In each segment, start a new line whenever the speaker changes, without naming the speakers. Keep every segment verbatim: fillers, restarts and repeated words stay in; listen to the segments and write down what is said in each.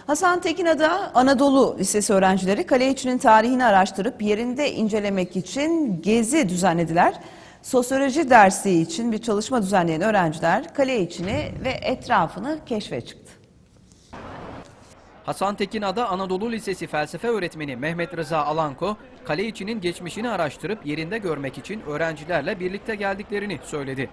Hasan Tekinada Anadolu Lisesi öğrencileri Kaleiçi'nin tarihini araştırıp yerinde incelemek için gezi düzenlediler. Sosyoloji dersi için bir çalışma düzenleyen öğrenciler Kaleiçi'ni ve etrafını keşfe çıktı.
Hasan Tekinada Anadolu Lisesi felsefe öğretmeni Mehmet Rıza Alanko, Kaleiçi'nin geçmişini araştırıp yerinde görmek için öğrencilerle birlikte geldiklerini söyledi.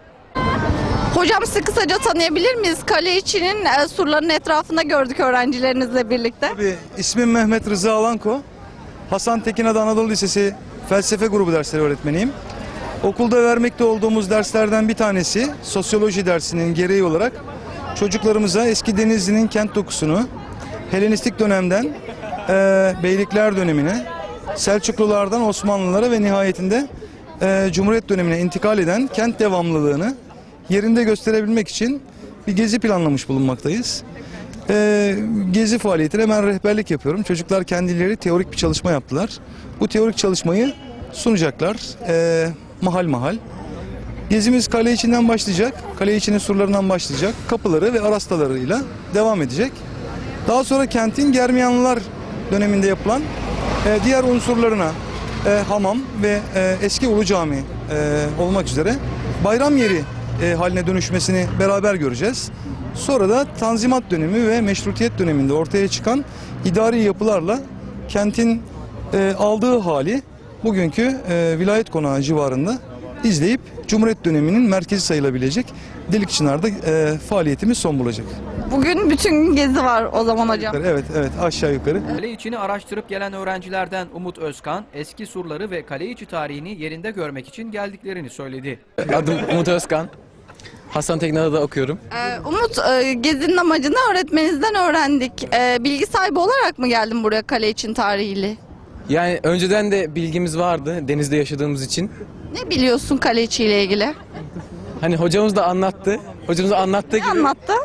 Hocam sizi kısaca tanıyabilir miyiz? Kaleiçi'nin e, surlarının etrafında gördük öğrencilerinizle birlikte.
Tabii, ismim Mehmet Rıza Alanko. Hasan Tekinada Anadolu Lisesi felsefe grubu dersleri öğretmeniyim. Okulda vermekte olduğumuz derslerden bir tanesi sosyoloji dersinin gereği olarak çocuklarımıza eski Denizli'nin kent dokusunu, Helenistik dönemden e, Beylikler dönemine, Selçuklulardan Osmanlılara ve nihayetinde e, Cumhuriyet dönemine intikal eden kent devamlılığını yerinde gösterebilmek için bir gezi planlamış bulunmaktayız. E, gezi faaliyetine ben rehberlik yapıyorum. Çocuklar kendileri teorik bir çalışma yaptılar. Bu teorik çalışmayı sunacaklar e, mahal mahal. Gezimiz Kaleiçi'nden başlayacak. Kaleiçi'nin surlarından başlayacak. Kapıları ve arastalarıyla devam edecek. Daha sonra kentin Germiyanlılar döneminde yapılan e, diğer unsurlarına e, hamam ve e, eski Ulu Cami e, olmak üzere bayram yeri e, haline dönüşmesini beraber göreceğiz. Sonra da Tanzimat dönemi ve Meşrutiyet döneminde ortaya çıkan idari yapılarla kentin e, aldığı hali bugünkü e, vilayet konağı civarında izleyip Cumhuriyet döneminin merkezi sayılabilecek Delikçınar'da e, faaliyetimiz son bulacak.
Bugün bütün gezi var o zaman hocam.
Evet, evet, aşağı yukarı.
Kaleiçi'ni araştırıp gelen öğrencilerden Umut Özkan, eski surları ve Kaleiçi tarihini yerinde görmek için geldiklerini söyledi.
Adım Umut Özkan. Hasan Tekinada'da okuyorum.
Ee, Umut, e, gezinin amacını öğretmeninizden öğrendik. E, bilgi sahibi olarak mı geldin buraya Kaleiçi'nin tarihiyle?
Yani önceden de bilgimiz vardı denizde yaşadığımız için.
Ne biliyorsun Kaleiçi ile ilgili?
Hani hocamız da anlattı. Hocamız da anlattığı
Ne
gibi.
anlattı?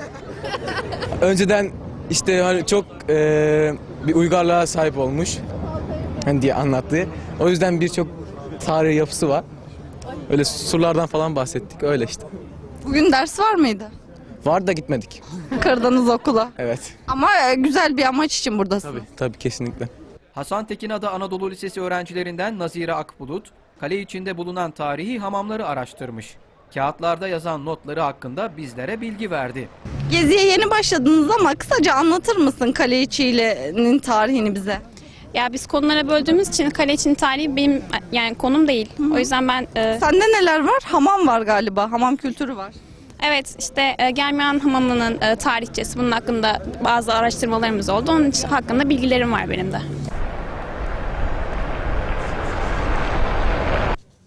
Önceden işte hani çok e, bir uygarlığa sahip olmuş hani diye anlattı. O yüzden birçok tarihi yapısı var. Öyle surlardan falan bahsettik öyle işte.
Bugün ders var mıydı?
Var da gitmedik.
Kırdınız okula.
Evet.
Ama e, güzel bir amaç için buradasın.
Tabii tabii kesinlikle.
Hasan Tekinada Anadolu Lisesi öğrencilerinden Nazire Akbulut, Kaleiçi'nde bulunan tarihi hamamları araştırmış. Kağıtlarda yazan notları hakkında bizlere bilgi verdi.
Geziye yeni başladınız ama kısaca anlatır mısın Kaleiçi'nin tarihini bize?
Ya biz konulara böldüğümüz için Kaleiçi'nin tarihi benim yani konum değil.
Hı hı.
O yüzden ben e,
Sende neler var? Hamam var galiba. Hamam kültürü var.
evet işte e, Germiyan Hamamı'nın e, tarihçesi bunun hakkında bazı araştırmalarımız oldu. Onun için hakkında bilgilerim var benim de.